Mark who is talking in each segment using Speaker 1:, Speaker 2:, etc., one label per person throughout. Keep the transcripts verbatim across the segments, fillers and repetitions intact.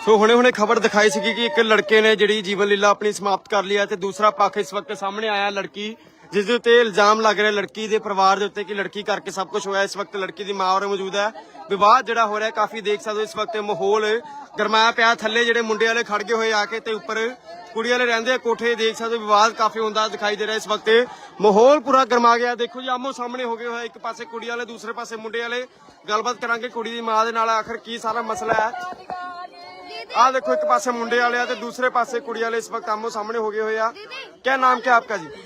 Speaker 1: सो हुणे हुणे खबर दिखाई सी कि एक लड़के ने जिहड़ी जीवन लीला अपनी समाप्त कर लिया, दूसरा पक्ष इस वक्त सामने आया लड़की जिस दे उत्ते इल्जाम लग रहा लड़की के परिवार के उत्ते कि लड़की करके सब कुछ होया। इस वक्त लड़की की मां और मौजूद है। विवाद जिहड़ा हो रहा है काफी देख सकते हो इस वक्त माहौल गरमाया पिया। थल्ले जिहड़े मुंडे वाले खड़ गए हुए आके ते उपर कुड़ी वाले रहिंदे कोठे देख सकते हो। विवाद काफी होंदा दिखाई दे रहा है। इस वक्त माहौल पूरा गरमा गया। देखो जी आमो सामने हो गए हुए, एक पासे कुड़ी वाले दूसरे पासे मुंडे वाले। गलबात करांगे कुड़ी दी मां दे नाल आखिर की सारा मसला है। आ देखो एक पासे मुंडे वाले ते दूसरे पासे कुड़ी वाले इस वक्त आमो सामने हो गए हुए आ। क्या नाम क्या आपका जी?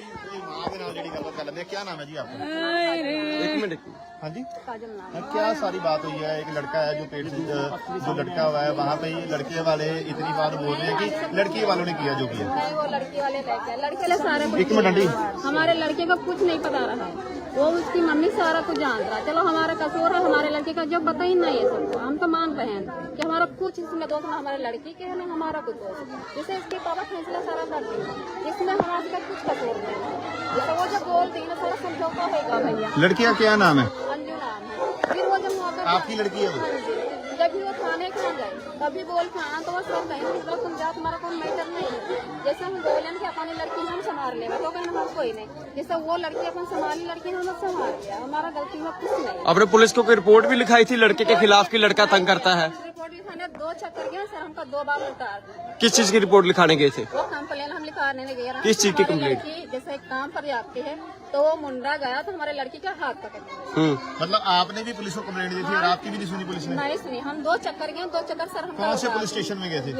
Speaker 2: क्या नाम है जी आपका?
Speaker 1: एक मिनट।
Speaker 2: हाँ जी, क्या सारी बात हुई है? एक लड़का है जो पेट से जो लड़का हुआ है, वहाँ पे लड़के वाले इतनी बात बोल रहे हैं कि लड़की वालों ने किया जो किया।
Speaker 3: वो लड़की वाले लड़के ले सारे
Speaker 2: एक मिनट आंटी,
Speaker 3: हमारे लड़के का कुछ नहीं पता रहा है। वो उसकी मम्मी सारा कुछ जान रहा है। चलो हमारा कसूर है, हमारे लड़के का जब बताई ना ये सबको, हम तो मान रहे हैं कि हमारा कुछ इसमें दोष ना हमारे लड़की के है ना हमारा कुछ दोष। जैसे इसके पापा फैसला सारा कर दिया, इसमें हमारे का कुछ कसूर नहीं। जैसे वो जब बोलती है ना सारा समझौता होगा भैया।
Speaker 2: लड़की का क्या नाम है?
Speaker 3: अंजू नाम है। फिर वो जब मौका
Speaker 2: आपकी लड़की है वो?
Speaker 3: जब भी वो थाने के गए तभी बोल हाँ तो वो सब कहेंगे तुम जाओ, तुम्हारा कोई मैटर नहीं है। जैसे हम बोले कि अपनी लड़की हम संभाल लेंगे तो कहना हम कोई नहीं। जैसे वो लड़की अपन संभाली, लड़की हम संभाल लिया, हमारा गलती में कुछ नहीं।
Speaker 1: आपने पुलिस को कोई रिपोर्ट भी लिखाई थी लड़के के खिलाफ कि लड़का तंग करता है?
Speaker 3: रिपोर्ट लिखाने दो चक्कर गए सर, हमका दो बार उतार दिया।
Speaker 1: किस चीज की रिपोर्ट लिखाने गए थे?
Speaker 3: वो कंप्लेन हम लिखाने नहीं गए।
Speaker 1: किस चीज की कंप्लेंट?
Speaker 3: जैसे काम पर जाती है तो वो मुंडा गया तो हमारे लड़की का हाथ पकड़ लिया।
Speaker 2: मतलब आपने भी पुलिस को कंप्लेंट दी थी और आपकी भी नहीं सुनी पुलिस ने?
Speaker 3: नहीं सुनी, हम दो चक्कर गए, दो चक्कर सर हम
Speaker 2: कौन से पुलिस स्टेशन में गए थे?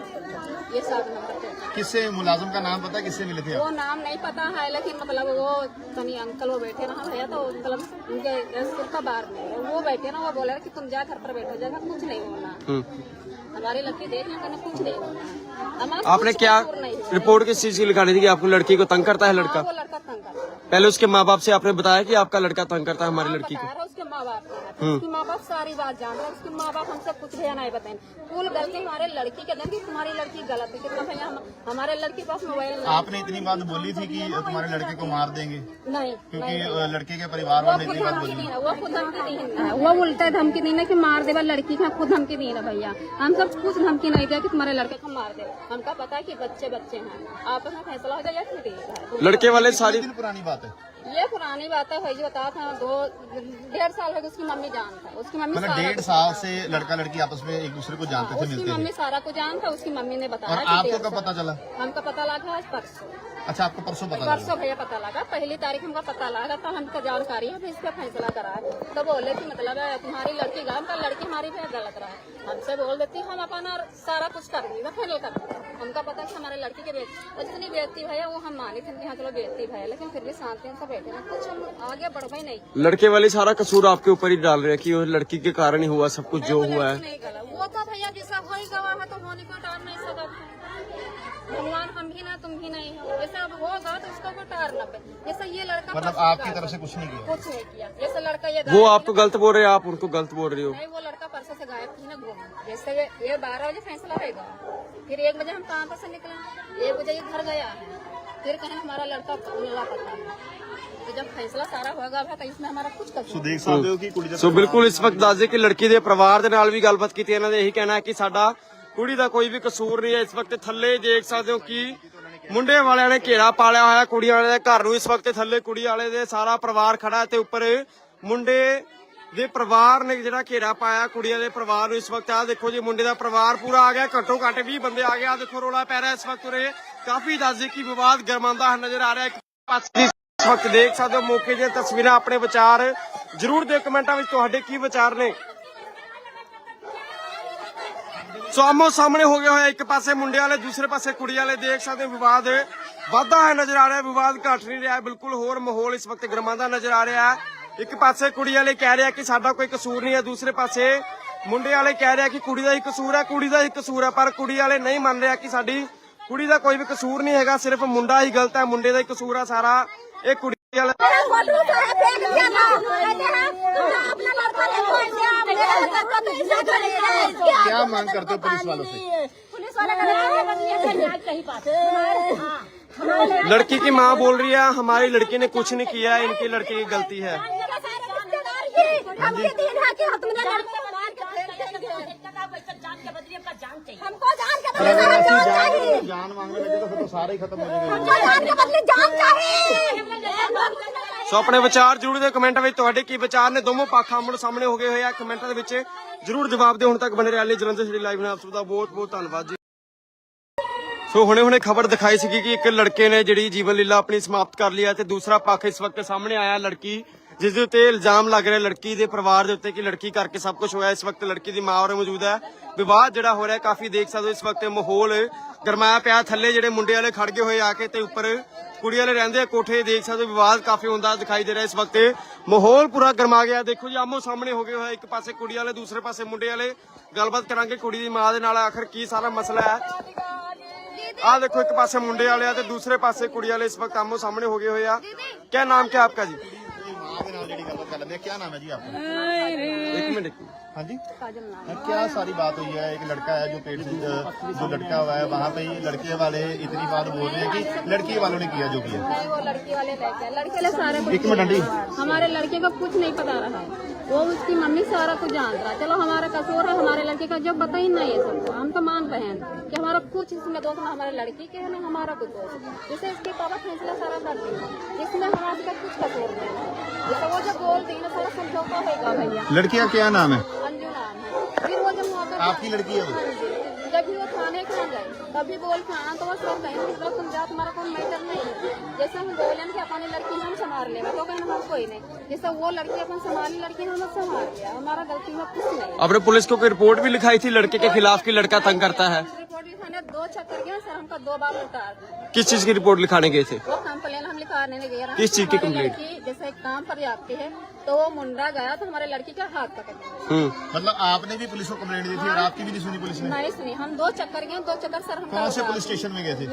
Speaker 3: ये सात नंबर।
Speaker 2: किससे मुलाजिम का नाम पता है? किससे मिले थे?
Speaker 3: वो नाम नहीं पता है लेकिन मतलब वो तनी अंकल वो बैठे रहा भैया तो मतलब उनके स्कूल का बाहर में वो बैठे ना, वो बोले कि तुम जा घर पर बैठो, जगह कुछ नहीं होना। हमारी लड़की देख लें कुछ नहीं होना।
Speaker 1: आपने क्या रिपोर्ट किस चीज की लिखानी थी कि आपको लड़की को तंग करता है लड़का?
Speaker 3: वो लड़का तंग करता है।
Speaker 1: पहले उसके माँ बाप से आपने बताया कि आपका लड़का तंग करता है हमारी लड़की को?
Speaker 3: उसके माँ बाप उसके माँ बाप सारी बात जान रहे, उसके माँ बाप हमसे कुछ भैया नहीं बताए। फुल गलती हमारे लड़की के दिन की, तुम्हारी लड़की गलत है कितना भैया हम, हमारे लड़की के पास मोबाइल नहीं।
Speaker 2: आपने इतनी बात बोली थी कि तुम्हारे लड़के को मार देंगे?
Speaker 3: नहीं,
Speaker 2: क्योंकि लड़के के परिवार वाले इतनी बात बोली।
Speaker 3: वो खुद धमकी दी है, वो उल्टा धमकी दी ना कि मार देवा लड़की का, खुद धमकी दी ना भैया। हम सब कुछ धमकी नहीं दिया कि तुम्हारे लड़के को मार दे। हमका पता है कि बच्चे बच्चे हैं, आपस में फैसला हो जाए या फिर
Speaker 1: लड़के वाले सारी
Speaker 2: पुरानी बात है।
Speaker 3: ये पुरानी बात है भाई, बता था दो डेढ़ साल हो गए उसकी मम्मी जानता है। उसकी मम्मी
Speaker 2: मतलब डेढ़ साल से लड़का लड़की आपस में एक दूसरे को जानते थे,
Speaker 3: उसकी
Speaker 2: मिलते
Speaker 3: मम्मी
Speaker 2: थे।
Speaker 3: सारा को जानता है, उसकी मम्मी ने बताया।
Speaker 2: और आपको कब पता चला?
Speaker 3: हमको पता लगा आज परसों।
Speaker 2: अच्छा, आपको परसों पता
Speaker 3: परसों भैया पता लगा, पहली तारीख हमको पता लगा तो हमको जानकारी है, इस पे फैसला करा। तो बोले की मतलब है तुम्हारी लड़की गलत है, लड़की हमारी भी गलत रहा है। हमसे बोल देती हम अपना सारा कुछ कर देंगे, फाइनल कर देंगे। हमको पता है हमारे लड़की के बेटी जितनी बेटी भैया वो हम माने थे कि हाँ चलो बेटी भैया, लेकिन फिर भी शांति से बैठे ना, कुछ हम आगे बढ़ पाए नहीं।
Speaker 1: लड़के वाले सारा कसूर आपके ऊपर ही डाल रहे हैं कि वो लड़की के कारण ही हुआ सब कुछ जो हुआ है।
Speaker 3: वो तो भैया जैसा हो ही गवा है तो होने को टाल नहीं सकता। भगवान हम भी ना तुम भी नहीं हो, जैसे अब होगा तो उसको को टार ना पे। जैसे ये लड़का
Speaker 2: मतलब आपकी तरफ से कुछ नहीं किया?
Speaker 3: कुछ नहीं किया। जैसे लड़का ये
Speaker 1: वो आपको गलत बोल रहे हैं, आप उनको गलत बोल रहे हो।
Speaker 3: नहीं, वो लड़का परसों से गायब थी ना घूम। जैसे ये बारह बजे फैसला रहेगा, फिर एक बजे हम कहाँ पर से निकले, एक बजे ये घर गया है, फिर कहें हमारा लड़का लापता है। तो जब फैसला सारा होगा तो इसमें हमारा कुछ कसूर
Speaker 2: देख सकते हो कि कुड़ी
Speaker 1: सो बिल्कुल इस वक्त ਦੱਸ ਦੇ ਕਿ ਲੜਕੀ ਦੇ ਪਰਿਵਾਰ ਦੇ ਨਾਲ ਵੀ ਗੱਲਬਾਤ ਕੀਤੀ। ਇਹਨਾਂ ਦੇ ਇਹੀ ਕਹਿਣਾ ਹੈ ਕਿ ਸਾਡਾ ਕੁੜੀ ਦਾ ਕੋਈ ਵੀ ਕਸੂਰ ਨਹੀਂ ਹੈ। ਇਸ ਵਕਤ ਥੱਲੇ ਦੇਖ ਸਕਦੇ ਹੋ ਕਿ ਮੁੰਡੇ ਵਾਲਿਆਂ ਨੇ ਘੇਰਾ ਪਾਲਿਆ ਹੋਇਆ ਕੁੜੀਆਂ ਵਾਲੇ ਦੇ ਘਰ ਨੂੰ। ਇਸ ਵਕਤ ਥੱਲੇ ਕੁੜੀ ਵਾਲੇ ਦੇ ਸਾਰਾ ਪਰਿਵਾਰ ਖੜਾ ਹੈ ਤੇ ਉੱਪਰ ਮੁੰਡੇ ਦੇ ਪਰਿਵਾਰ ਨੇ ਜਿਹੜਾ ਘੇਰਾ ਪਾਇਆ ਕੁੜੀਆਂ ਦੇ ਪਰਿਵਾਰ ਨੂੰ। ਇਸ ਵਕਤ ਆ ਦੇਖੋ ਜੀ ਮੁੰਡੇ ਦਾ ਪਰਿਵਾਰ ਪੂਰਾ ਆ ਗਿਆ, ਘੱਟੋ ਘੱਟ ਵੀਹ ਬੰਦੇ ਆ ਗਏ। ਆ ਦੇਖੋ ਰੋਲਾ ਪੈ ਰਿਹਾ ਇਸ ਵਕਤ ਉਰੇ। ਕਾਫੀ ਦੱਸ ਦੇ ਕਿ ਵਿਵਾਦ ਗਰਮਾਉਂਦਾ ਨਜ਼ਰ ਆ ਰਿਹਾ। ਇੱਕ ਪਾਸੇ ਇਸ ਵਕਤ ਦੇਖ ਸਕਦੇ ਹੋ ਮੌਕੇ ਦੀਆਂ ਤਸਵੀਰਾਂ। ਆਪਣੇ ਵਿਚਾਰ ਜਰੂਰ ਦਿਓ ਕਮੈਂਟਾਂ ਵਿੱਚ, ਤੁਹਾਡੇ ਕੀ ਵਿਚਾਰ ਨੇ। ਸੋ ਆਮੋ ਸਾਹਮਣੇ ਹੋ ਗਿਆ ਹੋਇਆ, ਇੱਕ ਪਾਸੇ ਮੁੰਡੇ ਵਾਲੇ ਦੂਸਰੇ ਪਾਸੇ ਕੁੜੀ ਵਾਲੇ। ਦੇਖ ਸਕਦੇ ਹੋ ਵਿਵਾਦ ਵਾਧਾ ਹੈ ਨਜ਼ਰ ਆ ਰਿਹਾ, ਵਿਵਾਦ ਘਟ ਨਹੀਂ ਰਿਹਾ। ਬਿਲਕੁਲ ਹੋਰ ਮਾਹੌਲ ਇਸ ਵਕਤ ਗਰਮਾਉਂਦਾ ਨਜ਼ਰ ਆ ਰਿਹਾ ਹੈ। ਇੱਕ ਪਾਸੇ ਕੁੜੀ ਵਾਲੇ ਕਹਿ ਰਿਹਾ ਕਿ ਸਾਡਾ ਕੋਈ ਕਸੂਰ ਨਹੀਂ ਹੈ, ਦੂਸਰੇ ਪਾਸੇ ਮੁੰਡੇ ਵਾਲੇ ਕਹਿ ਰਿਹਾ ਕਿ ਕੁੜੀ ਦਾ ਹੀ ਕਸੂਰ ਹੈ, ਕੁੜੀ ਦਾ ਹੀ ਕਸੂਰ ਹੈ। ਪਰ ਕੁੜੀ ਵਾਲੇ ਨਹੀਂ ਮੰਨ ਰਿਹਾ ਕਿ ਸਾਡੀ ਕੁੜੀ ਦਾ ਕੋਈ ਵੀ ਕਸੂਰ ਨਹੀਂ ਹੈਗਾ, ਸਿਰਫ ਮੁੰਡਾ ਹੀ ਗਲਤ ਹੈ, ਮੁੰਡੇ ਦਾ ਹੀ ਕਸੂਰ ਹੈ ਸਾਰਾ। ਇਹ ਕੁੜੀ ਵਾਲੇ
Speaker 2: क्या मांग करते हो पुलिस वालों से?
Speaker 3: पुलिस वाले
Speaker 1: लड़की की माँ बोल रही है हमारी लड़की ने कुछ नहीं किया, इनकी लड़की की गलती है।
Speaker 3: हमको जान के बदले सारा जान चाहिए।
Speaker 2: जान मांगने लगे तो फिर तो सारे ही खत्म हो जाएंगे।
Speaker 3: हमको जान के बदले जान चाहिए।
Speaker 1: ਸੋ ਆਪਣੇ ਵਿਚਾਰ ਜਰੂਰ ਦੇ ਕਮੈਂਟਾਂ ਵਿੱਚ ਤੁਹਾਡੇ ਕੀ ਵਿਚਾਰ ਨੇ ਦੋਨੋਂ ਪੱਖ ਆਮਣੇ ਸਾਹਮਣੇ ਹੋ ਗਏ ਹੋਏ ਆ ਕਮੈਂਟਾਂ ਦੇ ਵਿੱਚ ਜਰੂਰ ਜਵਾਬ ਦਿਓ। ਹੁਣ ਤੱਕ ਬਣੇ ਰਹਿਣ ਲਈ ਜਲੰਧਰ ਸਿਟੀ ਲਾਈਵ ਨੇ ਆਪ ਸਭ ਦਾ ਬਹੁਤ ਬਹੁਤ ਧੰਨਵਾਦ ਜੀ। ਸੋ ਹੁਣੇ ਹੁਣੇ ਖਬਰ ਦਿਖਾਈ ਸੀ ਕਿ ਇੱਕ ਲੜਕੇ ਨੇ ਜਿਹੜੀ ਜੀਵਨ ਲੀਲਾ ਆਪਣੀ ਸਮਾਪਤ ਕਰ ਲਈ ਹੈ ਤੇ ਦੂਸਰਾ ਪੱਖ ਇਸ ਵਕਤ ਸਾਹਮਣੇ ਆਇਆ ਲੜਕੀ ਜਿਸ ਦੇ ਉੱਤੇ ਇਲਜ਼ਾਮ ਲੱਗ ਰਿਹਾ ਲੜਕੀ ਦੇ ਪਰਿਵਾਰ ਦੇ ਉੱਤੇ ਕਿ ਲੜਕੀ ਕਰਕੇ ਸਭ ਕੁਝ ਹੋਇਆ। ਇਸ ਵਕਤ ਲੜਕੀ ਦੀ ਮਾਂ ਉਰੇ ਮੌਜੂਦ ਹੈ। ਵਿਵਾਦ ਜਿਹੜਾ ਹੋ ਰਿਹਾ ਕਾਫੀ ਦੇਖ ਸਕਦੇ ਹੋ ਇਸ ਵਕਤ ਮਾਹੌਲ ਗਰਮਾਇਆ ਪਿਆ। ਥੱਲੇ ਜਿਹੜੇ ਮੁੰਡੇ ਵਾਲੇ ਖੜ ਗਏ ਹੋਏ ਆ ਕੇ ਤੇ ਉੱਪਰ ਕੁੜੀ ਵਾਲੇ ਰਹਿੰਦੇ ਆ ਕੋਠੇ ਦੇਖ ਸਕਦੇ ਹੋ ਵਿਵਾਦ ਕਾਫੀ ਹੁੰਦਾ ਦਿਖਾਈ ਦੇ ਰਿਹਾ। ਇਸ ਵਕਤ ਮਾਹੌਲ ਪੂਰਾ ਗਰਮਾ ਗਿਆ। ਦੇਖੋ ਜੀ ਆਮੋ ਸਾਹਮਣੇ ਹੋ ਗਏ ਹੋਇਆ ਇੱਕ ਪਾਸੇ ਕੁੜੀ ਵਾਲੇ ਦੂਸਰੇ ਪਾਸੇ ਮੁੰਡੇ ਵਾਲੇ। ਗੱਲਬਾਤ ਕਰਾਂਗੇ ਕੁੜੀ ਦੀ ਮਾਂ ਦੇ ਨਾਲ ਆਖਰ ਕੀ ਸਾਰਾ ਮਸਲਾ ਹੈ। ਆ ਦੇਖੋ ਇੱਕ ਪਾਸੇ ਮੁੰਡੇ ਵਾਲੇ ਆ ਤੇ ਦੂਸਰੇ ਪਾਸੇ ਕੁੜੀ ਵਾਲੇ ਇਸ ਵਕਤ ਆਮੋ ਸਾਹਮਣੇ ਹੋ ਗਏ ਹੋਏ ਆ। क्या नाम क्या आपका जी?
Speaker 2: क्या नाम है जी आपका?
Speaker 1: एक मिनट।
Speaker 2: हाँ जी, क्या सारी बात हुई है? एक लड़का है जो पेट से जो लड़का हुआ है वहाँ पे ही लड़के वाले इतनी बात बोल रहे हैं कि लड़की वालों ने किया जो किया।
Speaker 3: नहीं, वो लड़की वाले लड़के लड़के वाले सारे कुछ
Speaker 2: एक मिनट आंटी,
Speaker 3: हमारे लड़के का कुछ नहीं पता रहा है। वो उसकी मम्मी सारा कुछ जान रहा है। चलो हमारा कसूर है हमारे लड़के का जब बता ही नहीं है सबको। हम तो मान रहे हैं कि हमारा कुछ इसमें दोष ना हमारे लड़की के है ना हमारा कुछ दोष। जैसे इसके पापा फैसला सारा कर देंगे इसमें हमारे का कुछ कसूर नहीं है। जैसे वो जब बोल दी ना सारा समझौता होगा भैया।
Speaker 2: लड़की का क्या नाम है?
Speaker 3: अंजू नाम है। फिर वो जब वहाँ पे
Speaker 2: आपकी लड़की है वो?
Speaker 3: जब भी वो थाने खा गए तभी बोल के आना तो वो सब कहें कि तुम जात हमारा कोई मैटर नहीं है। जैसे हम बोले कि अपनी लड़की हम संभाल लेंगे तो कहना हम कोई नहीं। जैसे वो लड़की अपन संभाली लड़की हम संभाल लिया हमारा गलती में कुछ नहीं।
Speaker 1: आपने पुलिस को कोई रिपोर्ट भी लिखाई थी लड़के के खिलाफ कि लड़का तंग करता है?
Speaker 3: रिपोर्ट लिखाने दो चक्कर गया सर हमका दो बार उतार दिया।
Speaker 1: किस चीज की रिपोर्ट लिखाने गए थे?
Speaker 3: वो कंप्लेन हम लिखाने नहीं गए।
Speaker 1: किस चीज की
Speaker 3: हमारी
Speaker 1: कंप्लेंट?
Speaker 3: लड़की जैसे एक काम पर जाती है तो वो मुंडा गया तो हमारे लड़की का हाथ पकड़ लिया।
Speaker 1: हम्म।
Speaker 2: मतलब आपने भी पुलिस को कंप्लेंट दी थी और आपकी भी नहीं सुनी पुलिस ने?
Speaker 3: नहीं सुनी। हम दो चक्कर गए दो चक्कर सर हम
Speaker 2: कौन से पुलिस स्टेशन में गए थे?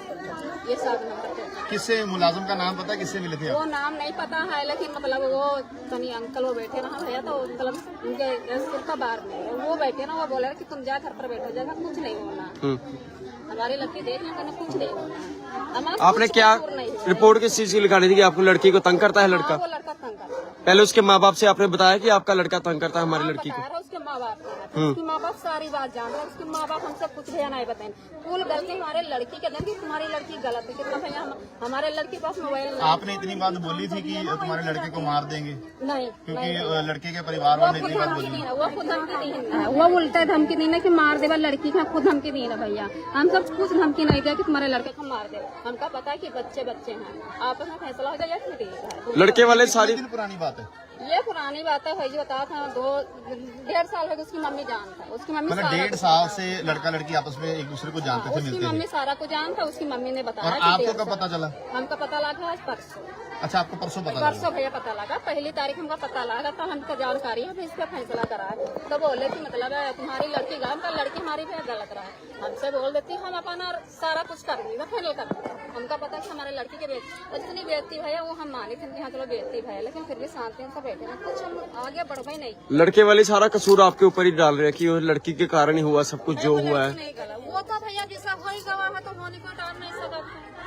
Speaker 3: ये सब नंबर।
Speaker 2: किससे मुलाजिम का नाम पता है? किससे मिले थे
Speaker 3: वो
Speaker 2: आप?
Speaker 3: नाम नहीं पता है लेकिन मतलब वो तनी अंकल वो बैठे रहा भैया तो मतलब उनके सिर का बार में वो बैठे ना वो बोले कि तुम जा घर पर बैठो जाएगा कुछ नहीं होना। हमारी लड़की देख लें कुछ नहीं होना।
Speaker 1: आपने क्या रिपोर्ट किस चीज की लिखानी थी कि आपको लड़की को तंग करता है लड़का?
Speaker 3: वो लड़का तंग करता है।
Speaker 1: पहले उसके माँ बाप से आपने बताया कि आपका लड़का तंग करता है हमारी लड़की को?
Speaker 3: उसके माँ बाप उसके माँ बाप सारी बात जान रहे। उसके माँ बाप हमसे कुछ भी नहीं बताए। फुल गलती हमारे लड़की के देंगे तुम्हारी लड़की गलत है। कितना भैया हमारे लड़की के पास मोबाइल
Speaker 2: आपने इतनी बात बोली थी कि तुम्हारे लड़के को मार देंगे
Speaker 3: नहीं
Speaker 2: क्योंकि लड़के के परिवार वाले इतनी बात बोली?
Speaker 3: वो खुद धमकी दी है। वो उल्टा धमकी दी ना कि मार देवा लड़की का खुद धमकी दी ना भैया। हम सब कुछ धमकी नहीं दिया कि तुम्हारे लड़के को मार दे। हमका पता है कि बच्चे बच्चे हैं आपस में फैसला हो जाए या ठीक है।
Speaker 1: लड़के वाले सारी
Speaker 2: पुरानी बात है
Speaker 3: ये पुरानी बात है भाई जो बता था दो डेढ़ साल हो गए उसकी मम्मी जानता है। उसकी मम्मी
Speaker 2: मतलब डेढ़ साल से लड़का लड़की आपस में एक दूसरे को जानते थे
Speaker 3: उसकी
Speaker 2: मिलते
Speaker 3: मम्मी
Speaker 2: थे।
Speaker 3: सारा को जानता उसकी मम्मी ने बताया।
Speaker 2: और
Speaker 3: कि
Speaker 2: आपको
Speaker 3: डेढ़
Speaker 2: कब
Speaker 3: साल।
Speaker 2: पता चला?
Speaker 3: हमका पता लगा आज परसों।
Speaker 2: अच्छा आपको परसों पता
Speaker 3: परसों
Speaker 2: लगा?
Speaker 3: भैया पता लगा। पहली तारीख हमका पता लगा तो हमको जानकारी है इस पे फैसला करा है। तो बोले कि मतलब है तुम्हारी लड़की गाँव का लड़की हमारी पे गलत रहा है। हमसे बोल देती हम अपना सारा कुछ कर देंगे फाइनल कर देंगे। हमका पता है कि हमारे लड़की के बेटी इतनी बेटी भैया वो हम माने थे कि हाँ चलो बेटी भैया लेकिन फिर भी शांति से बैठे ना कुछ हम आगे बढ़ गए नहीं।
Speaker 1: लड़के वाले सारा कसूर आपके ऊपर ही डाल रहे हैं कि वो लड़की के कारण ही हुआ सब कुछ जो
Speaker 3: वो
Speaker 1: हुआ है।
Speaker 3: लड़की नहीं गला। वो तो भैया जैसा हो ही गवा है तो होने को टार नहीं सकता।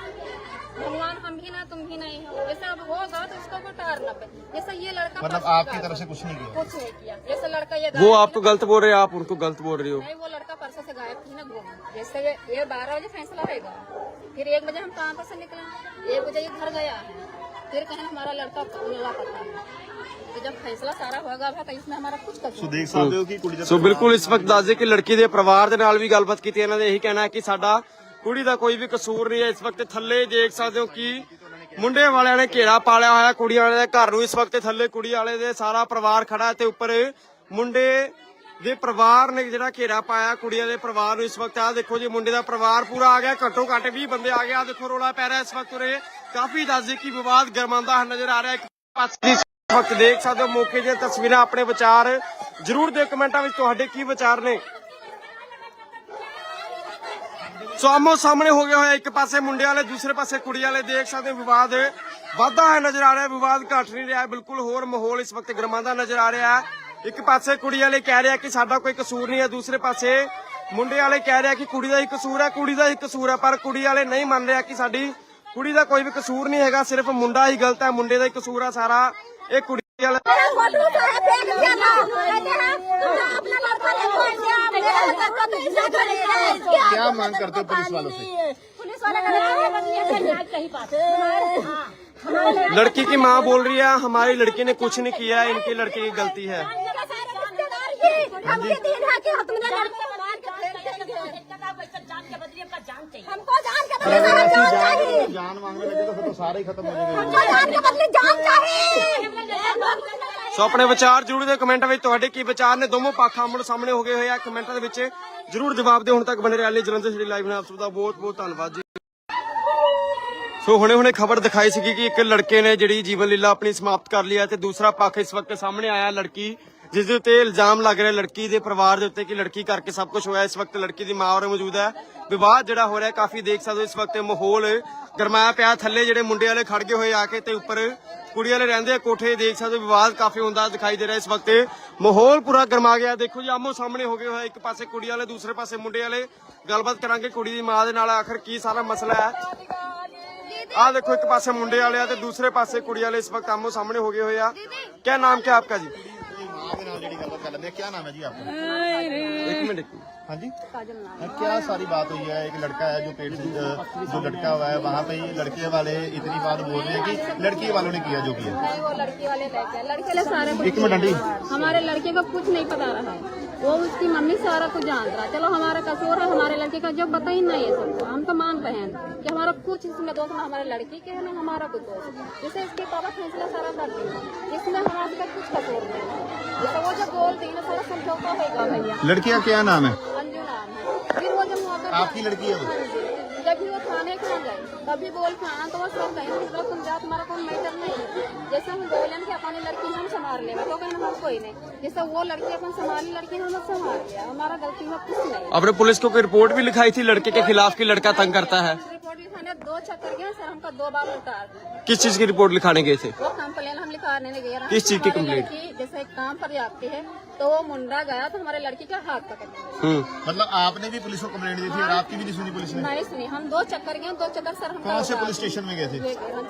Speaker 3: भगवान हम भी ना तुम भी नहीं हो। जैसे अब होगा तो उसको को टार ना पे। जैसे ये लड़का
Speaker 2: मतलब
Speaker 3: परसों
Speaker 2: आपकी
Speaker 3: गायब
Speaker 2: तरफ से कुछ नहीं किया?
Speaker 3: कुछ नहीं किया। जैसे लड़का ये
Speaker 1: वो
Speaker 3: गायब
Speaker 1: आपको गलत बोल रहे हैं आप उनको गलत बोल रही हो।
Speaker 3: नहीं वो लड़का परसों से गायब थी ना घूम। जैसे ये, ये बारह बजे फैसला होगा फिर एक बजे हम कहाँ पर से निकले एक बजे ये घर गया है फिर कहें हमारा लड़का लापता है। तो जब फैसला सारा होगा तो इसमें हमारा कुछ कसूर
Speaker 2: देख सकते हो कि कुड़ी
Speaker 1: ਸੋ ਬਿਲਕੁਲ ਇਸ ਵਕਤ ਦੱਸ ਦੇ ਕਿ ਲੜਕੀ ਦੇ ਪਰਿਵਾਰ ਦੇ ਨਾਲ ਵੀ ਗੱਲਬਾਤ ਕੀਤੀ। ਇਹਨਾਂ ਦੇ ਇਹੀ ਕਹਿਣਾ ਹੈ ਕਿ ਸਾਡਾ ਕੁੜੀ ਦਾ ਕੋਈ ਵੀ ਕਸੂਰ ਨਹੀਂ ਹੈ। ਇਸ ਵਕਤ ਥੱਲੇ ਦੇਖ ਸਕਦੇ ਹੋ ਕਿ ਮੁੰਡੇ ਵਾਲਿਆਂ ਨੇ ਘੇਰਾ ਪਾਲਿਆ ਹੋਇਆ ਕੁੜੀਆਂ ਵਾਲੇ ਦੇ ਘਰ ਨੂੰ। ਇਸ ਵਕਤ ਥੱਲੇ ਕੁੜੀ ਵਾਲੇ ਦੇ ਸਾਰਾ ਪਰਿਵਾਰ ਖੜਾ ਹੈ ਤੇ ਉੱਪਰ ਮੁੰਡੇ ਦੇ ਪਰਿਵਾਰ ਨੇ ਜਿਹੜਾ ਘੇਰਾ ਪਾਇਆ ਕੁੜੀਆਂ ਦੇ ਪਰਿਵਾਰ ਨੂੰ। ਇਸ ਵਕਤ ਆ ਦੇਖੋ ਜੀ ਮੁੰਡੇ ਦਾ ਪਰਿਵਾਰ ਪੂਰਾ ਆ ਗਿਆ ਘੱਟੋ ਘੱਟ ਵੀਹ ਬੰਦੇ ਆ ਗਏ। ਆ ਦੇਖੋ ਰੋਲਾ ਪੈ ਰਿਹਾ ਇਸ ਵਕਤ ਉਰੇ ਕਾਫੀ ਦੱਸ ਦੇ ਕਿ ਵਿਵਾਦ ਗਰਮਾਉਂਦਾ ਨਜ਼ਰ ਆ ਰਿਹਾ। ਇੱਕ ਪਾਸੇ ਵਕਤ ਦੇਖ ਸਕਦੇ ਹੋ ਮੌਕੇ ਦੀਆਂ ਤਸਵੀਰਾਂ। ਆਪਣੇ ਵਿਚਾਰ ਜਰੂਰ ਦਿਓ ਕਮੈਂਟਾਂ ਵਿੱਚ ਤੁਹਾਡੇ ਕੀ ਵਿਚਾਰ ਨੇ। ਸੋ ਆਮੋ ਸਾਹਮਣੇ ਹੋ ਗਿਆ ਹੋਇਆ ਇੱਕ ਪਾਸੇ ਮੁੰਡੇ ਵਾਲੇ ਦੂਸਰੇ ਪਾਸੇ ਕੁੜੀ ਵਾਲੇ ਦੇਖ ਸਕਦੇ ਹੋ ਵਿਵਾਦ ਵਾਧਾ ਹੈ ਨਜ਼ਰ ਆ ਰਿਹਾ। ਵਿਵਾਦ ਘਟ ਨਹੀਂ ਰਿਹਾ ਬਿਲਕੁਲ ਹੋਰ ਮਾਹੌਲ ਇਸ ਵਕਤ ਗਰਮਾਉਂਦਾ ਨਜ਼ਰ ਆ ਰਿਹਾ ਹੈ। ਇੱਕ ਪਾਸੇ ਕੁੜੀ ਵਾਲੇ ਕਹਿ ਰਿਹਾ ਕਿ ਸਾਡਾ ਕੋਈ ਕਸੂਰ ਨਹੀਂ ਹੈ ਦੂਸਰੇ ਪਾਸੇ ਮੁੰਡੇ ਵਾਲੇ ਕਹਿ ਰਿਹਾ ਕਿ ਕੁੜੀ ਦਾ ਹੀ ਕਸੂਰ ਹੈ ਕੁੜੀ ਦਾ ਹੀ ਕਸੂਰ ਹੈ ਪਰ ਕੁੜੀ ਵਾਲੇ ਨਹੀਂ ਮੰਨ ਰਿਹਾ ਕਿ ਸਾਡੀ ਕੁੜੀ ਦਾ ਕੋਈ ਵੀ ਕਸੂਰ ਨਹੀਂ ਹੈਗਾ ਸਿਰਫ ਮੁੰਡਾ ਹੀ ਗਲਤ ਹੈ ਮੁੰਡੇ ਦਾ ਹੀ ਕਸੂਰ ਆ ਸਾਰਾ। ਇਹ ਕੁੜੀ
Speaker 2: क्या मांग करते हो पुलिस वालों से?
Speaker 3: पुलिस वाले
Speaker 1: लड़की की माँ बोल रही है हमारी लड़की ने कुछ नहीं किया, इनकी लड़की की गलती है।
Speaker 3: हमको जान के
Speaker 2: अगर ऐसी जान जान मांगने लगे तो फिर तो सारे ही खत्म हो जाएंगे।
Speaker 3: जान के बदले जान चाहिए।
Speaker 1: ਸੋ ਆਪਣੇ ਵਿਚਾਰ ਜਰੂਰ ਦੇ ਕਮੈਂਟਾਂ ਵਿੱਚ ਤੁਹਾਡੇ ਕੀ ਵਿਚਾਰ ਨੇ। ਦੋਵੇਂ ਪੱਖ ਆਮਣੇ ਸਾਹਮਣੇ ਹੋ ਗਏ ਹੋਏ ਆ, ਕਮੈਂਟਾਂ ਦੇ ਵਿੱਚ ਜਰੂਰ ਜਵਾਬ ਦਿਓ। ਹੁਣ ਤੱਕ ਬਣੇ ਰਹਿਣ ਲਈ ਜਲੰਧਰ ਸਿਟੀ ਲਾਈਵ ਨਾਲ ਆਪ ਸਭ ਦਾ ਬਹੁਤ ਬਹੁਤ ਧੰਨਵਾਦ ਜੀ। ਸੋ ਹੁਣੇ ਹੁਣੇ ਖਬਰ ਦਿਖਾਈ ਸੀ ਕਿ ਇੱਕ ਲੜਕੇ ਨੇ ਜਿਹੜੀ ਜੀਵਨ ਲੀਲਾ ਆਪਣੀ ਸਮਾਪਤ ਕਰ ਲਈ ਹੈ ਤੇ ਦੂਸਰਾ ਪੱਖ ਇਸ ਵਕਤ ਸਾਹਮਣੇ ਆਇਆ ਲੜਕੀ ਜਿਸ ਦੇ ਉੱਤੇ ਇਲਜ਼ਾਮ ਲੱਗ ਰਿਹਾ ਲੜਕੀ ਦੇ ਪਰਿਵਾਰ ਦੇ ਉੱਤੇ ਕਿ ਲੜਕੀ ਕਰਕੇ ਸਭ ਕੁਝ ਹੋਇਆ। ਇਸ ਵਕਤ ਲੜਕੀ ਦੀ ਮਾਂ ਔਰ ਮੌਜੂਦ ਹੈ। ਵਿਵਾਦ ਜਿਹੜਾ ਹੋ ਰਿਹਾ ਕਾਫੀ ਦੇਖ ਸਕਦੇ ਹੋ ਇਸ ਵਕਤ ਮਾਹੌਲ ਗਰਮਾਇਆ ਪਿਆ। ਥੱਲੇ ਜਿਹੜੇ ਮੁੰਡੇ ਵਾਲੇ ਖੜ ਗਏ ਹੋਏ ਆ ਕੇ ਤੇ ਉੱਪਰ ਕੁੜੀ ਵਾਲੇ ਰਹਿੰਦੇ ਆ ਕੋਠੇ ਦੇਖ ਸਕਦੇ ਹੋ। ਵਿਵਾਦ ਕਾਫੀ ਹੁੰਦਾ ਦਿਖਾਈ ਦੇ ਰਿਹਾ ਇਸ ਵਕਤ। ਮਾਹੌਲ ਪੂਰਾ ਗਰਮਾ ਗਿਆ। ਦੇਖੋ ਜੀ ਆਮੋ ਸਾਹਮਣੇ ਹੋ ਗਏ ਹੋਏ, ਇੱਕ ਪਾਸੇ ਕੁੜੀ ਵਾਲੇ ਦੂਸਰੇ ਪਾਸੇ ਮੁੰਡੇ ਵਾਲੇ। ਗੱਲਬਾਤ ਕਰਾਂਗੇ ਕੁੜੀ ਦੀ ਮਾਂ ਦੇ ਨਾਲ ਆਖਰ ਕੀ ਸਾਰਾ ਮਸਲਾ ਹੈ। ਆ ਦੇਖੋ ਇੱਕ ਪਾਸੇ ਮੁੰਡੇ ਵਾਲੇ ਆ ਤੇ ਦੂਸਰੇ ਪਾਸੇ ਕੁੜੀ ਵਾਲੇ ਇਸ ਵਕਤ ਆਮੋ ਸਾਹਮਣੇ ਹੋ ਗਏ ਹੋਏ ਆ। क्या नाम क्या आपका जी?
Speaker 2: क्या नाम है जी आपका?
Speaker 1: एक मिनट।
Speaker 2: हाँ जी, क्या सारी बात हुई है? एक लड़का है जो पेट से जो लटका हुआ है, वहाँ पे ही लड़के वाले इतनी बात बोल रहे हैं कि लड़की वालों ने किया जो किया।
Speaker 3: नहीं, वो लड़की वाले लेके आए। लड़के वाले सारे
Speaker 2: एक मिनट आंटी,
Speaker 3: हमारे लड़के को कुछ नहीं पता रहा है। वो उसकी मम्मी सारा कुछ जान रहा है। चलो हमारा कसूर है, हमारे लड़के का जो बता ही नहीं है सबको। हम तो मान रहे हैं कि हमारा कुछ इसमें दोष ना हमारे लड़की के है ना हमारा कुछ दोष है। जैसे इसके पापा फैसला सारा करते हैं, इसमें हमारे का कुछ कसूर नहीं है। जैसे वो जो बोलते हैं ना सारा समझौता होगा भैया।
Speaker 2: लड़की का क्या नाम है?
Speaker 3: अंजू नाम है। फिर वो जब मौका
Speaker 2: आपकी लड़की है वो?
Speaker 3: जब भी वो थाने के गए तभी बोल के आना तो वो सब कहीं मतलब तुम जाओ, तुम्हारा कोई मैटर नहीं है। जैसे हम बोले कि अपनी लड़की हम संभाल लेंगे तो कहीं हम कोई नहीं। जैसे वो लड़की अपन संभाली, लड़की हम संभाल लिया, हमारा गलती में कुछ नहीं।
Speaker 1: आपने पुलिस को कोई रिपोर्ट भी लिखाई थी लड़के के खिलाफ कि लड़का तंग करता है?
Speaker 3: रिपोर्ट लिखाने दो चक्कर गए सर, हमका दो बार उतार दिया।
Speaker 1: किस चीज की रिपोर्ट लिखाने गए थे?
Speaker 3: वो कंप्लेन हम लिखाने नहीं गए।
Speaker 1: किस चीज की
Speaker 3: हमारी
Speaker 1: कंप्लेंट?
Speaker 3: लड़की जैसे काम पर जाती है तो वो मुंडा गया तो हमारे लड़की का हाथ पकड़ लिया।
Speaker 1: हम्म,
Speaker 2: मतलब आपने भी पुलिस को कंप्लेंट दी थी और आपकी भी नहीं सुनी पुलिस ने?
Speaker 3: नहीं सुनी, हम दो चक्कर गए, दो चक्कर सर हम
Speaker 2: कौन से पुलिस स्टेशन में गए थे?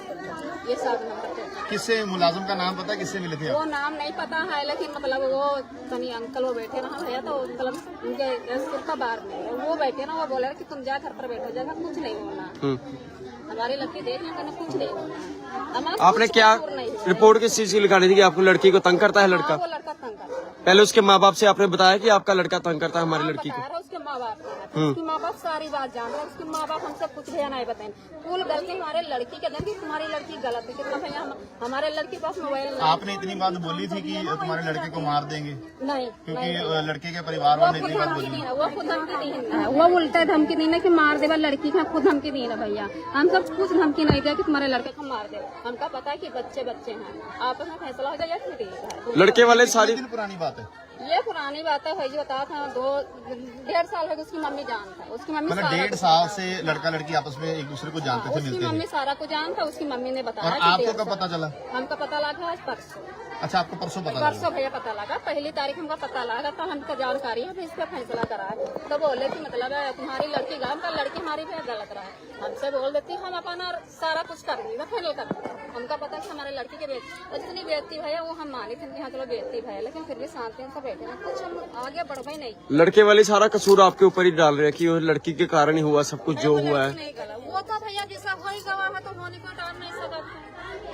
Speaker 3: ये सब नंबर पे।
Speaker 2: किससे मुलाजिम का नाम पता है? किससे मिले थे आप?
Speaker 3: वो नाम नहीं पता है लेकिन मतलब वो कहीं अंकल वो बैठे ना भैया तो मतलब उनके सिर का बार में है। वो बैठे ना, वो बोले कि तुम जा घर पर बैठो, जगह कुछ नहीं होना।
Speaker 1: हम्म।
Speaker 3: हमारी लड़की देख लेंगे ना, कुछ नहीं होना। हमारा
Speaker 1: आपने
Speaker 3: कुछ
Speaker 1: क्या
Speaker 3: कसूर नहीं है।
Speaker 1: रिपोर्ट किस चीज की लिखानी थी कि आपको लड़की को तंग करता है
Speaker 3: हाँ,
Speaker 1: लड़का?
Speaker 3: वो लड़का तंग करता है।
Speaker 1: पहले उसके माँ बाप से आपने बताया कि आपका लड़का तंग करता है हमारी
Speaker 3: हाँ,
Speaker 1: लड़की
Speaker 3: बता
Speaker 1: को?
Speaker 3: रहा उसके माँ बाप को। उसकी माँ बाप सारी बात जान रहे हैं। उसके माँ बाप हमसे कुछ भैया नहीं बताए। फुल गलती हमारे लड़की के दें कि तुम्हारी लड़की गलत है। कितना भैया हम, हमारे लड़की के पास मोबाइल नहीं।
Speaker 2: आपने इतनी बात बोली थी कि तुम्हारे लड़के को मार देंगे
Speaker 3: नहीं,
Speaker 2: क्योंकि लड़के के परिवार
Speaker 3: वो
Speaker 2: वालों ने
Speaker 3: खुद
Speaker 2: इतनी बात
Speaker 3: धमकी
Speaker 2: बोली?
Speaker 3: दी ना, वो खुद धमकी दी है। वो उल्टा धमकी दी ना कि मार देवा लड़की का, खुद धमकी दी ना भैया। हम सब कुछ धमकी नहीं दिया कि तुम्हारे लड़के को मार दे। हमका पता है कि बच्चे बच्चे हैं, आपस में फैसला हो जाए या फिर ठीक है।
Speaker 1: लड़के वाले सारी
Speaker 2: दिन पुरानी बात है?
Speaker 3: ये पुरानी बात है भाई, बता था दो डेढ़ साल हो गए उसकी मम्मी जानता है। उसकी मम्मी
Speaker 2: मतलब
Speaker 3: सारा
Speaker 2: डेढ़
Speaker 3: कुछ
Speaker 2: साल
Speaker 3: जानता
Speaker 2: से लड़का लड़की आपस में एक दूसरे को
Speaker 3: है।
Speaker 2: जानते थे,
Speaker 3: उसकी
Speaker 2: मिलते
Speaker 3: मम्मी
Speaker 2: थे।
Speaker 3: सारा कुछ जानता, उसकी मम्मी ने बताया
Speaker 2: और
Speaker 3: कि
Speaker 2: आपको
Speaker 3: डेढ़
Speaker 2: कब
Speaker 3: साल।
Speaker 2: पता चला?
Speaker 3: हमको पता लगा आज परसों।
Speaker 2: अच्छा, आपको परसों पता चला?
Speaker 3: परसों भैया पता लगा, पहली तारीख हमको पता लगा तो हमको जानकारी है, इस पे फैसला करा है। तो बोले कि मतलब है तुम्हारी लड़की गलत, का लड़की हमारी पे गलत रहा है। हमसे बोल देती हम अपना सारा कुछ कर देंगे, फाइनल कर देंगे। हमको पता कि हमारे लड़की के बेटी जितनी बेटी भैया वो हम मानी थी कि हाँ चलो बेटी भैया, लेकिन फिर भी शांति से बैठे ना, कुछ हम आगे बढ़ ही नहीं।
Speaker 1: लड़के वाले सारा कसूर आपके ऊपर ही डाल रहे हैं कि वो लड़की के कारण ही हुआ सब कुछ जो
Speaker 3: वो
Speaker 1: हुआ
Speaker 3: लड़की
Speaker 1: है।
Speaker 3: नहीं गला, वो तो भैया जैसा हो ही गवा है तो होने को टार नहीं सकता।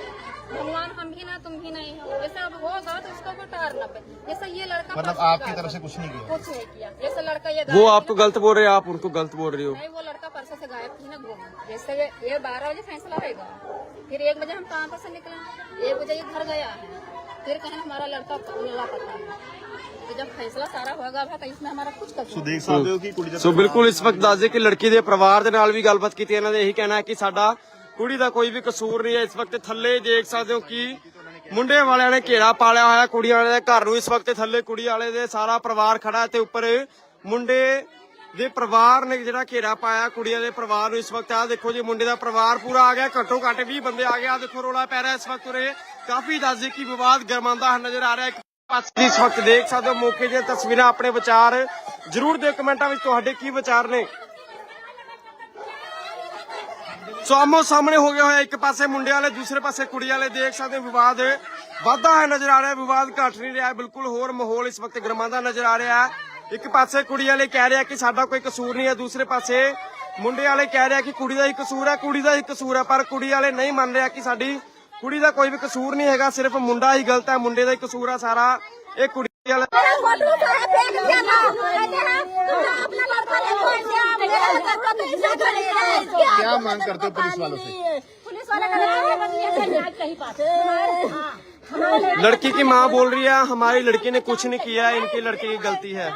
Speaker 3: भगवान हम भी ना तुम भी नहीं हो, जैसे अब होगा तो उसको को टार ना पे। जैसे ये लड़का
Speaker 2: मतलब
Speaker 3: परसों
Speaker 2: आपकी
Speaker 3: गायब
Speaker 2: तरफ से
Speaker 3: है।
Speaker 2: कुछ नहीं किया?
Speaker 3: कुछ नहीं किया। जैसे लड़का ये
Speaker 1: वो
Speaker 3: गायब
Speaker 1: आपको गलत बोल रहे हैं, आप उनको गलत बोल रही हो।
Speaker 3: नहीं, वो लड़का परसों से गायब थी ना घूम। जैसे ये- ये बारह बजे फैसला होगा, फिर एक बजे हम काम पर से निकले, एक बजे ये घर गया है, फिर कहें हमारा लड़का लापता है। तो जब फैसला सारा होगा तो इसमें हमारा कुछ कसूर
Speaker 2: देख सकते हो कि कुड़ी ਦਾ
Speaker 1: ਸੋ ਬਿਲਕੁਲ ਇਸ ਵਕਤ ਦੱਸ ਦੇ ਕਿ ਲੜਕੀ ਦੇ ਪਰਿਵਾਰ ਦੇ ਨਾਲ ਵੀ ਗੱਲਬਾਤ ਕੀਤੀ। ਇਹਨਾਂ ਦੇ ਇਹੀ ਕਹਿਣਾ ਹੈ ਕਿ ਸਾਡਾ ਕੁੜੀ ਦਾ ਕੋਈ ਵੀ ਕਸੂਰ ਨਹੀਂ ਹੈ। ਇਸ ਵਕਤ ਥੱਲੇ ਦੇਖ ਸਕਦੇ ਹੋ ਕਿ ਮੁੰਡੇ ਵਾਲਿਆਂ ਨੇ ਘੇਰਾ ਪਾਲਿਆ ਹੋਇਆ ਕੁੜੀਆਂ ਵਾਲੇ ਦੇ ਘਰ ਨੂੰ। ਇਸ ਵਕਤ ਥੱਲੇ ਕੁੜੀ ਵਾਲੇ ਦੇ ਸਾਰਾ ਪਰਿਵਾਰ ਖੜਾ ਹੈ ਤੇ ਉੱਪਰ ਮੁੰਡੇ ਦੇ ਪਰਿਵਾਰ ਨੇ ਜਿਹੜਾ ਘੇਰਾ ਪਾਇਆ ਕੁੜੀਆਂ ਦੇ ਪਰਿਵਾਰ ਨੂੰ। ਇਸ ਵਕਤ ਆ ਦੇਖੋ ਜੀ ਮੁੰਡੇ ਦਾ ਪਰਿਵਾਰ ਪੂਰਾ ਆ ਗਿਆ, ਘੱਟੋ ਘੱਟ ਵੀਹ ਬੰਦੇ ਆ ਗਏ। ਆ ਦੇਖੋ ਰੋਲਾ ਪੈ ਰਿਹਾ ਇਸ ਵਕਤ ਉਰੇ। ਕਾਫੀ ਦੱਸ ਦੇ ਕਿ ਵਿਵਾਦ ਗਰਮਾਉਂਦਾ ਨਜ਼ਰ ਆ ਰਿਹਾ ਹੈ। ਪਾਸੇ ਇਸ ਵਕਤ ਦੇਖ ਸਕਦੇ ਹੋ ਮੌਕੇ ਦੀਆਂ ਤਸਵੀਰਾਂ। ਆਪਣੇ ਵਿਚਾਰ ਜਰੂਰ ਦਿਓ ਕਮੈਂਟਾਂ ਵਿੱਚ ਤੁਹਾਡੇ ਕੀ ਵਿਚਾਰ ਨੇ। ਸੋ ਆਮੋ ਸਾਹਮਣੇ ਹੋ ਗਿਆ ਹੋਇਆ, ਇੱਕ ਪਾਸੇ ਮੁੰਡੇ ਵਾਲੇ, ਦੂਸਰੇ ਪਾਸੇ ਕੁੜੀ ਵਾਲੇ। ਦੇਖ ਸਕਦੇ ਹੋ ਵਿਵਾਦ ਵਾਧਾ ਹੈ ਨਜ਼ਰ ਆ ਰਿਹਾ, ਵਿਵਾਦ ਘਟ ਨਹੀਂ ਰਿਹਾ, ਬਿਲਕੁਲ ਹੋਰ ਮਾਹੌਲ ਇਸ ਵਕਤ ਗਰਮਾਉਂਦਾ ਨਜ਼ਰ ਆ ਰਿਹਾ ਹੈ। ਇੱਕ ਪਾਸੇ ਕੁੜੀ ਵਾਲੇ ਕਹਿ ਰਿਹਾ ਕਿ ਸਾਡਾ ਕੋਈ ਕਸੂਰ ਨਹੀਂ ਹੈ, ਦੂਸਰੇ ਪਾਸੇ ਮੁੰਡੇ ਵਾਲੇ ਕਹਿ ਰਿਹਾ ਕਿ ਕੁੜੀ ਦਾ ਹੀ ਕਸੂਰ ਹੈ, ਕੁੜੀ ਦਾ ਹੀ ਕਸੂਰ ਹੈ। ਪਰ ਕੁੜੀ ਵਾਲੇ ਨਹੀਂ ਮੰਨ ਰਿਹਾ ਕਿ ਸਾਡੀ ਕੁੜੀ ਦਾ ਕੋਈ ਵੀ ਕਸੂਰ ਨਹੀਂ ਹੈਗਾ, ਸਿਰਫ ਮੁੰਡਾ ਹੀ ਗਲਤ ਹੈ, ਮੁੰਡੇ ਦਾ ਹੀ ਕਸੂਰ ਹੈ ਸਾਰਾ। ਇਹ ਕੁੜੀ ਵਾਲੇ
Speaker 2: क्या मांग करते हो पुलिस वालों से?
Speaker 1: लड़की की माँ बोल रही है हमारी लड़की ने कुछ नहीं किया, इनकी लड़की की गलती है।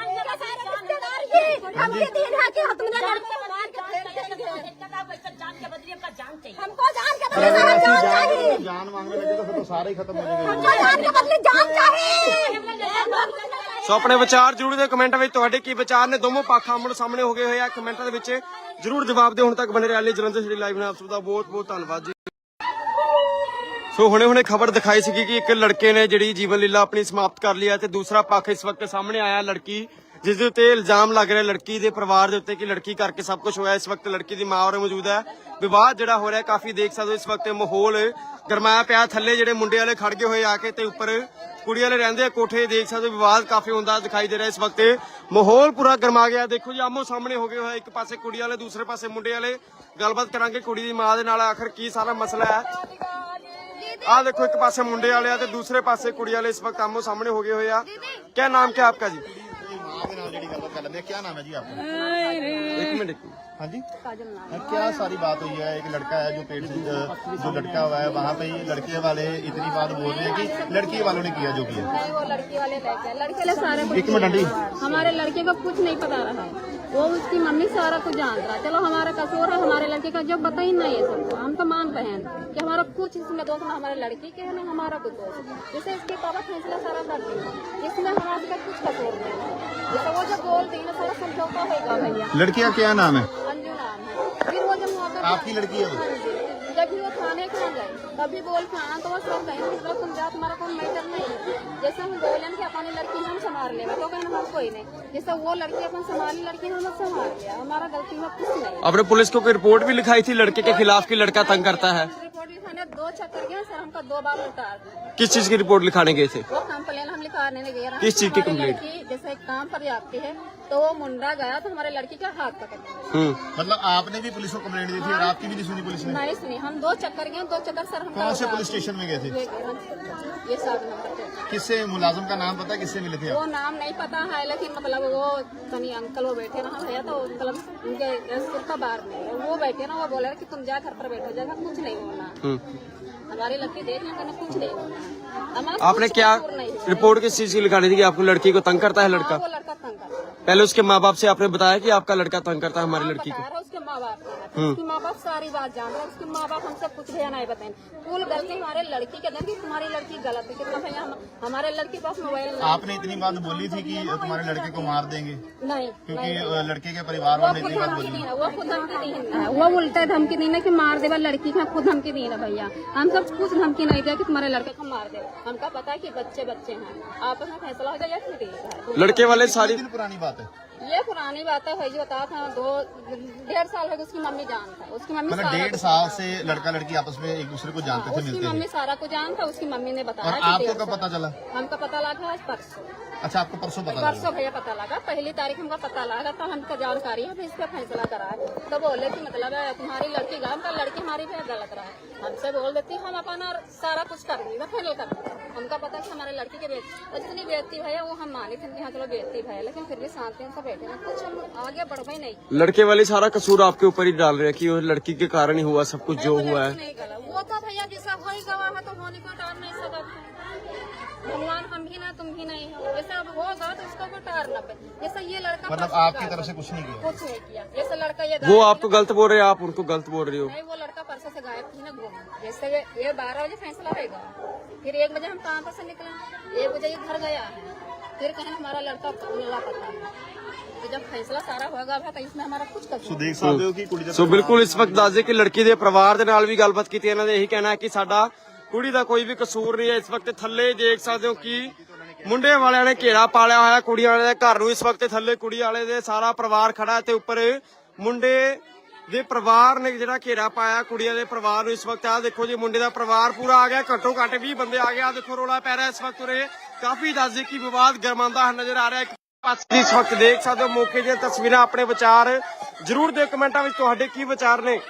Speaker 3: हमको जान के बदले जान चाहिए।
Speaker 2: जान मांगने लगे तो फिर तो सारे ही खत्म हो जाएंगे।
Speaker 3: हमको जान के बदले जान चाहिए।
Speaker 1: ਸੋ ਆਪਣੇ ਵਿਚਾਰ ਜ਼ਰੂਰ ਦੇ ਕਮੈਂਟਾਂ ਵਿੱਚ, ਤੁਹਾਡੇ ਕੀ ਵਿਚਾਰ ਨੇ? ਦੋਵੇਂ ਪੱਖ ਆਮਣੇ ਸਾਹਮਣੇ ਹੋ ਗਏ ਹੋਏ ਆ, ਕਮੈਂਟਾਂ ਦੇ ਵਿੱਚ ਜ਼ਰੂਰ ਜਵਾਬ ਦਿਓ। ਹੁਣ ਤੱਕ ਬਣੇ ਰਹਿਣ ਲਈ ਜਲੰਧਰ ਸਿਟੀ ਲਾਈਵ ਨਾਲ ਆਪ ਸਭ ਦਾ ਬਹੁਤ ਬਹੁਤ ਧੰਨਵਾਦ ਜੀ। ਸੋ ਹੁਣੇ ਹੁਣੇ ਖਬਰ ਦਿਖਾਈ ਸੀਗੀ ਕਿ ਇੱਕ ਲੜਕੇ ਨੇ ਜਿਹੜੀ ਜੀਵਨ ਲੀਲਾ ਆਪਣੀ ਸਮਾਪਤ ਕਰ ਲਈ ਹੈ ਤੇ ਦੂਸਰਾ ਪੱਖ ਇਸ ਵਕਤ ਸਾਹਮਣੇ ਆਇਆ, ਲੜਕੀ ਜਿਸ ਦੇ ਉੱਤੇ ਇਲਜ਼ਾਮ ਲੱਗ ਰਿਹਾ ਲੜਕੀ ਦੇ ਪਰਿਵਾਰ ਦੇ ਉੱਤੇ ਕਿ ਲੜਕੀ ਕਰਕੇ ਸਭ ਕੁਝ ਹੋਇਆ। ਇਸ ਵਕਤ ਲੜਕੀ ਦੀ ਮਾਂ ਔਰ ਮੌਜੂਦ ਹੈ। ਵਿਵਾਦ ਜਿਹੜਾ ਹੋ ਰਿਹਾ ਕਾਫੀ ਦੇਖ ਸਕਦੇ ਹੋ, ਇਸ ਵਕਤ ਮਾਹੌਲ ਗਰਮਾਇਆ ਪਿਆ। ਥੱਲੇ ਜਿਹੜੇ ਮੁੰਡੇ ਵਾਲੇ ਖੜ ਗਏ ਹੋਏ ਆ ਕੇ ਤੇ ਉੱਪਰ ਕੁੜੀ ਵਾਲੇ ਰਹਿੰਦੇ ਆ ਕੋਠੇ। ਦੇਖ ਸਕਦੇ ਹੋ ਵਿਵਾਦ ਕਾਫੀ ਹੁੰਦਾ ਦਿਖਾਈ ਦੇ ਰਿਹਾ। ਇਸ ਵਕਤ ਮਾਹੌਲ ਪੂਰਾ ਗਰਮਾ ਗਿਆ। ਦੇਖੋ ਜੀ ਆਮੋ ਸਾਹਮਣੇ ਹੋ ਗਏ ਹੋਏ, ਇੱਕ ਪਾਸੇ ਕੁੜੀ ਵਾਲੇ, ਦੂਸਰੇ ਪਾਸੇ ਮੁੰਡੇ ਵਾਲੇ। ਗੱਲਬਾਤ ਕਰਾਂਗੇ ਕੁੜੀ ਦੀ ਮਾਂ ਦੇ ਨਾਲ, ਆਖਰ ਕੀ ਸਾਰਾ ਮਸਲਾ ਹੈ। ਆ ਦੇਖੋ ਇੱਕ ਪਾਸੇ ਮੁੰਡੇ ਵਾਲੇ ਆ ਤੇ ਦੂਸਰੇ ਪਾਸੇ ਕੁੜੀ ਵਾਲੇ ਇਸ ਵਕਤ ਆਮੋ ਸਾਹਮਣੇ ਹੋ ਗਏ ਹੋਏ ਆ। क्या नाम क्या आपका जी?
Speaker 2: क्या नाम है जी आपका?
Speaker 1: एक मिनट।
Speaker 2: हाँ जी, क्या सारी बात हुई है? एक लड़का है जो पेट से जो लटका हुआ है, वहाँ पे ही लड़के वाले इतनी बात बोल रहे हैं कि लड़की वालों ने किया जो किया।
Speaker 3: नहीं, वो लड़की वाले लेके आए। लड़के वाले सारे
Speaker 2: एक मिनट आंटी,
Speaker 3: हमारे लड़के को कुछ नहीं पता रहा है, वो उसकी मम्मी सारा कुछ जान रहा है। चलो हमारा कसूर है, हमारे लड़के का जो बता ही नहीं है सबको। हम तो मान रहे हैं कि हमारा कुछ इसमें दोष ना हमारे लड़की के है ना हमारा कुछ दोष है। जैसे इसके पापा फैसला सारा कर दिया, इसमें हमारे का कुछ कसूर नहीं है। जैसे वो जो बोलती है ना सारा समझौता होगा भैया।
Speaker 2: लड़की का क्या नाम है?
Speaker 3: अंजू नाम है। फिर वो जब मौका
Speaker 2: आपकी लड़की है वो?
Speaker 3: जब भी वो थाने के गए तभी बोल के आना तो वो सब कहें मतलब तुम जात हमारा कोई मैटर नहीं है। जैसे हम बोले कि अपनी लड़की हम संभाल लेंगे तो कहना हम कोई नहीं। जैसे वो लड़की अपन संभाली, लड़की हम संभाल लिया, हमारा गलती में कुछ नहीं।
Speaker 1: आपने पुलिस को कोई रिपोर्ट भी लिखाई थी लड़के के खिलाफ कि लड़का तंग करता है?
Speaker 3: रिपोर्ट लिखाने दो चक्कर गए सर, हमको दो बार उतार दिया।
Speaker 1: किस चीज की रिपोर्ट लिखाने गए थे?
Speaker 3: वो कंप्लेन हम लिखाने नहीं गए।
Speaker 1: किस चीज की
Speaker 3: हमारी
Speaker 1: कंप्लेंट?
Speaker 3: लड़की जैसे काम पर जाती है तो वो मुंडा गया तो हमारे लड़की का हाथ पकड़ लिया।
Speaker 1: हम्म,
Speaker 2: मतलब आपने भी पुलिस को कंप्लेंट दी थी और आपकी भी नहीं सुनी पुलिस ने?
Speaker 3: नहीं सुनी, हम दो चक्कर गए, दो चक्कर सर हम
Speaker 2: कौन से पुलिस स्टेशन में गए थे?
Speaker 3: ये सात नंबर पे।
Speaker 2: किससे मुलाजिम का नाम पता है? किससे मिले थे आप?
Speaker 3: वो नाम नहीं पता है लेकिन मतलब वो कहीं अंकल वो बैठे ना भैया तो मतलब उनके सिर का बार में वो बैठे ना, वो बोले कि तुम जा घर पर बैठो, जगह कुछ नहीं होना,
Speaker 1: हम्म।
Speaker 3: हमारी लड़की देख लेंगे ना, कुछ नहीं होना। हमारा
Speaker 1: आपने
Speaker 3: कुछ
Speaker 1: क्या
Speaker 3: कसूर नहीं है।
Speaker 1: रिपोर्ट किस चीज की लिखानी थी कि आपको लड़की को तंग करता है
Speaker 3: हाँ,
Speaker 1: लड़का?
Speaker 3: वो लड़का तंग करता है।
Speaker 1: पहले उसके माँ बाप से आपने बताया कि आपका लड़का तंग करता है हमारी
Speaker 3: हाँ,
Speaker 1: लड़की
Speaker 3: बता
Speaker 1: को?
Speaker 3: रहा उसके माँ बाप को, उसकी माँ बाप सारी बात जान रहे हैं। उसके माँ बाप हमसे कुछ भैया नहीं बताए। फुल गलती हमारे लड़की के दें कि तुम्हारी लड़की गलत है। कितना भैया हम, हमारे लड़की के पास मोबाइल नहीं।
Speaker 2: आपने इतनी बात बोली थी कि तुम्हारे लड़के को मार देंगे
Speaker 3: नहीं,
Speaker 2: क्योंकि लड़के के परिवार
Speaker 3: वो
Speaker 2: वालों ने
Speaker 3: खुद
Speaker 2: इतनी बात
Speaker 3: धमकी
Speaker 2: बोली?
Speaker 3: दी ना, वो खुद धमकी दी है। वो उल्टे धमकी दी ना कि मार देवा लड़की का, खुद धमकी दी ना भैया। हम सब कुछ धमकी नहीं दिया कि तुम्हारे लड़के को मार दे। हमका पता है कि बच्चे बच्चे हैं, आपस में फैसला हो जाए या फिर ठीक है।
Speaker 1: लड़के वाले सारी
Speaker 2: दिन पुरानी बात है
Speaker 3: ये पुरानी बात है भाई, जो बता था दो डेढ़ साल हो गए उसकी मम्मी जानता है। उसकी मम्मी
Speaker 2: मतलब
Speaker 3: सारा
Speaker 2: डेढ़
Speaker 3: कुछ
Speaker 2: साल
Speaker 3: जानता
Speaker 2: से लड़का लड़की आपस में एक दूसरे को
Speaker 3: है।
Speaker 2: जानते थे,
Speaker 3: उसकी
Speaker 2: मिलते
Speaker 3: मम्मी
Speaker 2: थे।
Speaker 3: सारा कुछ जानता, उसकी मम्मी ने बताया
Speaker 2: और
Speaker 3: कि
Speaker 2: आपको
Speaker 3: डेढ़
Speaker 2: कब
Speaker 3: साल।
Speaker 2: पता चला?
Speaker 3: हमको पता लगा आज परसों।
Speaker 2: अच्छा, आपको परसों पता चला?
Speaker 3: परसों भैया पता लगा, पहली तारीख हमको पता लगा तो हमको जानकारी है, इस पे फैसला करा है। तो बोले कि मतलब है तुम्हारी लड़की गलत है, लड़की हमारी भी गलत रहा है। हमसे बोल देती हम अपना सारा कुछ कर देंगे, फाइनल कर देंगे। हमको पता कि हमारे लड़की के बेटी जितनी बेटी भैया वो हम मानी थी कि हाँ चलो बेटी भैया, लेकिन फिर भी शांति से बैठे ना, कुछ हम आगे बढ़ ही नहीं।
Speaker 1: लड़के वाले सारा कसूर आपके ऊपर ही डाल रहे हैं कि वो लड़की के कारण ही हुआ सब कुछ जो
Speaker 3: वो
Speaker 1: हुआ
Speaker 3: लड़की
Speaker 1: है।
Speaker 3: नहीं गलत, वो तो भैया जैसा हो ही गवा है तो होने को टार नहीं सकता। भगवान हम भी ना तुम भी नहीं हो, जैसे अब होगा तो उसको को टार ना पे। जैसे ये लड़का
Speaker 2: मतलब
Speaker 3: परसों
Speaker 2: आपकी
Speaker 3: गायब
Speaker 2: तरफ से
Speaker 3: है।
Speaker 2: कुछ नहीं किया?
Speaker 3: कुछ नहीं किया। जैसे लड़का ये
Speaker 1: वो
Speaker 3: गायब
Speaker 1: आपको गलत बोल रहे हैं, आप उनको गलत बोल रही हो।
Speaker 3: नहीं, वो लड़का परसों से गायब थी ना घूम। जैसे ये- ये बारह बजे फैसला होगा, फिर एक बजे हम काम पर से निकले, एक बजे ये घर गया है, फिर कहें हमारा लड़का लापता है। तो जब फैसला सारा होगा तो इसमें हमारा कुछ
Speaker 2: सो
Speaker 3: कसूर
Speaker 2: देख सकते हो कि कुड़ी ਦਾ
Speaker 1: ਸੋ ਬਿਲਕੁਲ ਇਸ ਵਕਤ ਦੱਸਦੇ ਕਿ ਲੜਕੀ ਦੇ ਪਰਿਵਾਰ ਦੇ ਨਾਲ ਵੀ ਗੱਲਬਾਤ ਕੀਤੀ। ਇਹਨਾਂ ਦੇ ਇਹੀ ਕਹਿਣਾ ਹੈ ਕਿ ਸਾਡਾ ਕੁੜੀ ਦਾ ਕੋਈ ਵੀ ਕਸੂਰ ਨਹੀਂ ਹੈ। ਇਸ ਵਕਤ ਥੱਲੇ ਦੇਖ ਸਕਦੇ ਹੋ ਕਿ ਮੁੰਡੇ ਵਾਲਿਆਂ ਨੇ ਘੇਰਾ ਪਾਲਿਆ ਹੋਇਆ ਕੁੜੀਆਂ ਵਾਲੇ ਦੇ ਘਰ ਨੂੰ। ਇਸ ਵਕਤ ਥੱਲੇ ਕੁੜੀ ਵਾਲੇ ਦੇ ਸਾਰਾ ਪਰਿਵਾਰ ਖੜਾ ਹੈ ਤੇ ਉੱਪਰ ਮੁੰਡੇ ਦੇ ਪਰਿਵਾਰ ਨੇ ਜਿਹੜਾ ਘੇਰਾ ਪਾਇਆ ਕੁੜੀਆਂ ਦੇ ਪਰਿਵਾਰ ਨੂੰ। ਇਸ ਵਕਤ ਆ ਦੇਖੋ ਜੀ ਮੁੰਡੇ ਦਾ ਪਰਿਵਾਰ ਪੂਰਾ ਆ ਗਿਆ, ਘੱਟੋ ਘੱਟ ਵੀਹ ਬੰਦੇ ਆ ਗਏ। ਆ ਦੇਖੋ ਰੋਲਾ ਪੈ ਰਿਹਾ ਇਸ ਵਕਤ ਉਰੇ, ਕਾਫੀ ਦੱਸਦੇ ਕਿ ਵਿਵਾਦ ਗਰਮਾਉਂਦਾ ਨਜ਼ਰ ਆ ਰਿਹਾ। ਇੱਕ ਪਾਸੇ ਇਸ ਵਕਤ ਦੇਖ ਸਕਦੇ ਹੋ ਮੌਕੇ ਦੀਆਂ ਤਸਵੀਰਾਂ। ਆਪਣੇ ਵਿਚਾਰ ਜ਼ਰੂਰ ਦਿਓ ਕਮੈਂਟਾਂ ਵਿੱਚ, ਤੁਹਾਡੇ ਕੀ ਵਿਚਾਰ ਨੇ।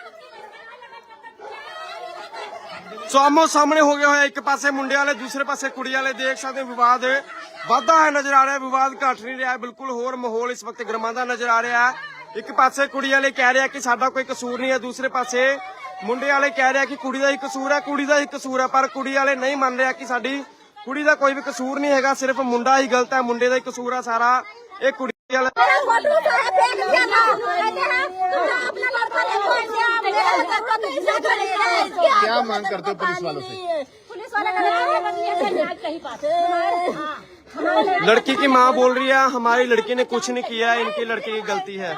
Speaker 1: ਸੋ ਆਮੋ ਸਾਹਮਣੇ ਹੋ ਗਿਆ ਹੋਇਆ, ਇੱਕ ਪਾਸੇ ਮੁੰਡੇ ਵਾਲੇ, ਦੂਸਰੇ ਪਾਸੇ ਕੁੜੀ ਵਾਲੇ। ਦੇਖ ਸਕਦੇ ਹੋ ਵਿਵਾਦ ਵਾਧਾ ਹੈ ਨਜ਼ਰ ਆ ਰਿਹਾ, ਵਿਵਾਦ ਘਟ ਨਹੀਂ ਰਿਹਾ, ਬਿਲਕੁਲ ਹੋਰ ਮਾਹੌਲ ਇਸ ਵਕਤ ਗਰਮਾਉਂਦਾ ਨਜ਼ਰ ਆ ਰਿਹਾ ਹੈ। ਇੱਕ ਪਾਸੇ ਕੁੜੀ ਵਾਲੇ ਕਹਿ ਰਿਹਾ ਕਿ ਸਾਡਾ ਕੋਈ ਕਸੂਰ ਨਹੀਂ ਹੈ, ਦੂਸਰੇ ਪਾਸੇ ਮੁੰਡੇ ਵਾਲੇ ਕਹਿ ਰਿਹਾ ਕਿ ਕੁੜੀ ਦਾ ਹੀ ਕਸੂਰ ਹੈ, ਕੁੜੀ ਦਾ ਹੀ ਕਸੂਰ ਹੈ। ਪਰ ਕੁੜੀ ਵਾਲੇ ਨਹੀਂ ਮੰਨ ਰਿਹਾ ਕਿ ਸਾਡੀ ਕੁੜੀ ਦਾ ਕੋਈ ਵੀ ਕਸੂਰ ਨਹੀਂ ਹੈਗਾ, ਸਿਰਫ ਮੁੰਡਾ ਹੀ ਗਲਤ ਹੈ, ਮੁੰਡੇ ਦਾ ਹੀ ਕਸੂਰ ਹੈ ਸਾਰਾ। ਇਹ ਕੁੜੀ ਵਾਲੇ
Speaker 2: क्या मांग करते हो पुलिस वालों से?
Speaker 3: पुलिस वाले
Speaker 1: लड़की की माँ बोल रही है हमारी लड़की ने कुछ नहीं किया, इनकी लड़की की गलती है।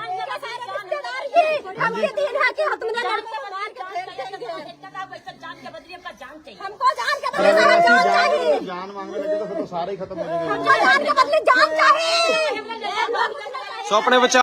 Speaker 3: हमको जान के
Speaker 2: अगर
Speaker 3: बदले
Speaker 2: ऐसी
Speaker 3: जान
Speaker 2: जान
Speaker 3: चाहिए,
Speaker 2: जान मांगने लगे तो फिर तो सारे ही खत्म हो जाएंगे।
Speaker 3: हमको जान के बदले जान चाहिए।
Speaker 1: सो अपने विचार